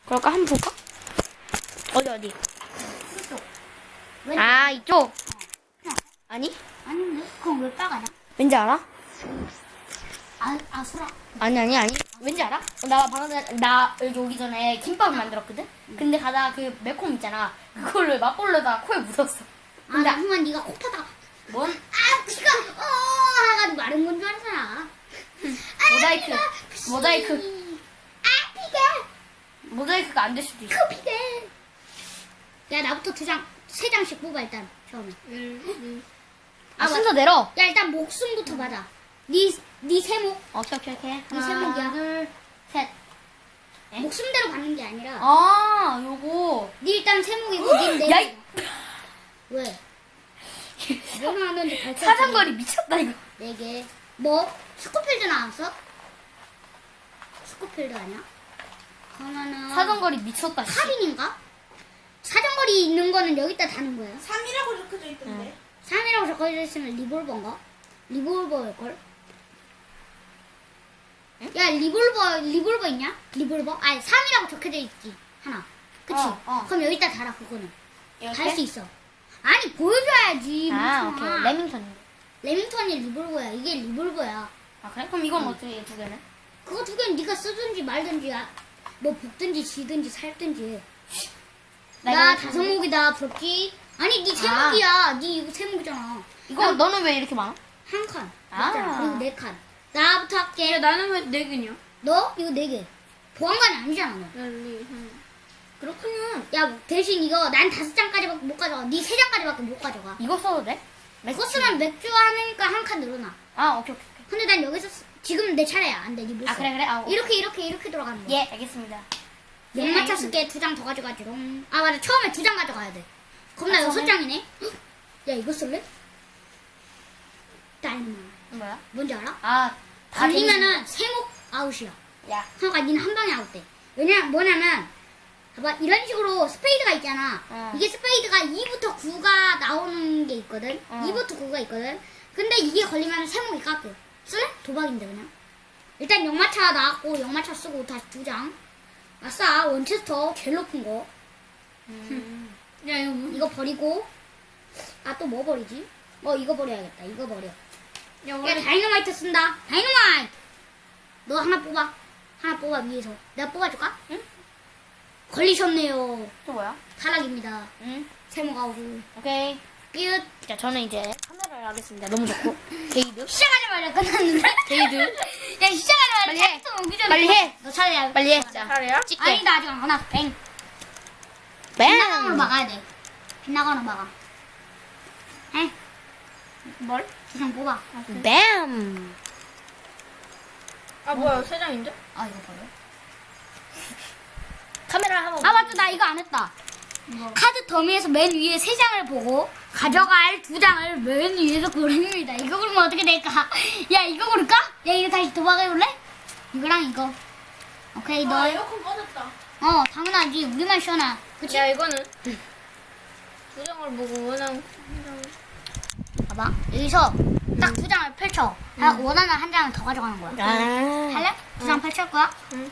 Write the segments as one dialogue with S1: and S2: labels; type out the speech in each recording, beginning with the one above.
S1: 그럴까? 한번 볼까? 어디?
S2: 이쪽.
S1: 아, 이쪽? 아니?
S2: 아닌데? 그럼 왜 빨가냐?
S1: 왠지 알아?
S2: 아수라.
S1: 아니. 왠지 알아? 나 방금 전에, 나 여기 오기 전에 김밥을 만들었거든? 근데 가다가 그 매콤 있잖아. 그걸로 맛볼려다가 코에 묻었어. 근데
S2: 나중에 네가 코 파다가
S1: 뭔?
S2: 피가 해가지고 마른 건 줄 알았잖아.
S1: 모자이크.
S2: 피가.
S1: 모자이크가 안 될 수도 있어.
S2: 피가. 야 나부터 3장씩 뽑아 일단 처음에.
S1: 아, 순서 내려.
S2: 야 일단 목숨부터 받아. 네 세목.
S1: 오케이.
S2: 세목이야.
S1: 하나, 둘, 셋. 에?
S2: 목숨대로 받는 게 아니라.
S1: 아, 요거.
S2: 네 일단 세목이고 네
S1: 야,
S2: 네. 왜? 뭐 나왔는지 발표.
S1: 사정거리 미쳤다, 이거.
S2: 4개. 뭐? 스코필드 나왔어? 스코필드 아니야? 그러면은
S1: 사정거리 미쳤다, 씨.
S2: 카빈인가? 사정거리 있는 거는 여기다 다는 거야.
S3: 3이라고 적혀져 있던데.
S2: 3이라고 적혀져 있으면 리볼버인가? 리볼버일걸? 야 리볼버 있냐? 리볼버? 아니 3이라고 적혀져 있지 하나. 그치?
S1: 어.
S2: 그럼 여기다 달아 그거는.
S1: 이렇게?
S2: 달 수 있어. 아니 보여줘야지.
S1: 아,
S2: 멍청아.
S1: 오케이. 레밍턴.
S2: 레밍턴이 리볼버야. 이게 리볼버야.
S1: 아, 그래? 그럼 이건 어떻게 두 개는?
S2: 그거 2개는 네가 쓰든지 말든지 뭐 볶든지 지든지 살든지. 나
S1: 이거
S2: 5목이다 부럽지? 아니 네 3목이야. 네 이거 3목이잖아.
S1: 이거 너는 왜 이렇게 많아?
S2: 한 칸.
S1: 아.
S2: 맞잖아. 그리고 4칸. 나부터 할게.
S3: 나는 왜 4개냐?
S2: 너 이거 4개. 보안관이 아니잖아 너.
S3: 그렇군요.
S2: 야 대신 이거 난 5장까지밖에 못 가져가. 네 3장까지밖에 못 가져가.
S1: 이거 써도 돼?
S2: 그거 쓰면 맥주 하니까 한 칸 늘어나.
S1: 아, 오케이.
S2: 근데 난 여기서 지금 내 차례야. 안 돼. 네못 써.
S1: 아, 그래. 아, 오케이.
S2: 이렇게 돌아가는 거야.
S1: 예, 알겠습니다.
S2: 맥마차 쓸게 2장 더 가져가지롱. 아 맞아 처음에 2장 가져가야 돼. 그럼 나
S1: 아,
S2: 6장이네. 야 이거 쓸래? 다이너마.
S1: 뭐야?
S2: 뭔지 알아?
S1: 아, 다
S2: 걸리면은 3목 아웃이야.
S1: 재밌- 야,
S2: 그러니까 니는 한 방에 아웃돼. 뭐냐면 봐봐 이런 식으로 스페이드가 있잖아. 이게 스페이드가 2부터 9가 나오는 게 있거든. 2부터 9가 있거든. 근데 이게 걸리면 3목이 깎여. 쓸래? 도박인데 그냥. 일단 역마차 나왔고 역마차 쓰고 다시 2장. 아싸 원체스터 제일 높은 거.
S3: 야, 이거 뭐.
S2: 이거 버리고 아 또 뭐 버리지? 이거 버려야겠다. 이거 버려.
S3: 야,
S2: 야 다이너마이트 쓴다. 다이너마이트. 너 하나 뽑아 위에서. 내가 뽑아줄까?
S1: 응?
S2: 걸리셨네요.
S1: 또 뭐야?
S2: 타락입니다.
S1: 응?
S2: 세모가 아웃.
S1: 오케이.
S2: 끝.
S1: 자, 저는 이제 카메라를 하겠습니다. 너무 좋고. 게이드.
S2: 시작하자마자 끝났는데?
S1: 게이드.
S2: 야 시작하자마자
S1: 빨리 해.
S2: 텍스트 오기 전에
S1: 빨리 해.
S2: 너 차례야.
S1: 빨리 해. 자,
S3: 차례야?
S1: 찍게.
S2: 아니다 아직 안 끝났어. 뱅. 빗나감으로
S1: 뱀!
S2: 막아야 돼. 빗나감으로 막아. 해.
S3: 뭘?
S2: 2장 뽑아.
S1: 뱀!
S3: 아, 뭐야, 3장인데?
S2: 아 이거 버려.
S1: 카메라 한번.
S2: 아 맞다 나 이거 안 했다. 카드 더미에서 맨 위에 3장을 보고 가져갈 2장을 맨 위에서 고릅니다. 이거 고르면 어떻게 될까? 야 이거 고를까? 야 이거 다시 도박해볼래? 이거랑 이거. 오케이 너.
S3: 에어컨 꺼졌다.
S2: 당연하지. 우리만 시원하. 그치?
S3: 야, 이거는 2장을 보고 원하는
S2: 봐봐. 여기서 딱 2장을 펼쳐. 원하는 한 장을 더 가져가는 거야.
S1: 아.
S2: 할래? 2장 펼칠 거야?
S3: 응.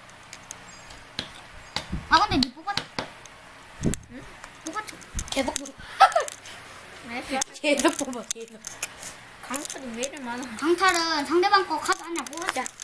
S2: 아 근데 니 뽑았다. 응? 뽑았죠.
S1: 계속 뽑아.
S3: 알겠어.
S1: 계속 뽑아, 계속.
S3: 강철이 왜 이리 많아?
S2: 강탈은 상대방 거 카드 한 장 뽑았자.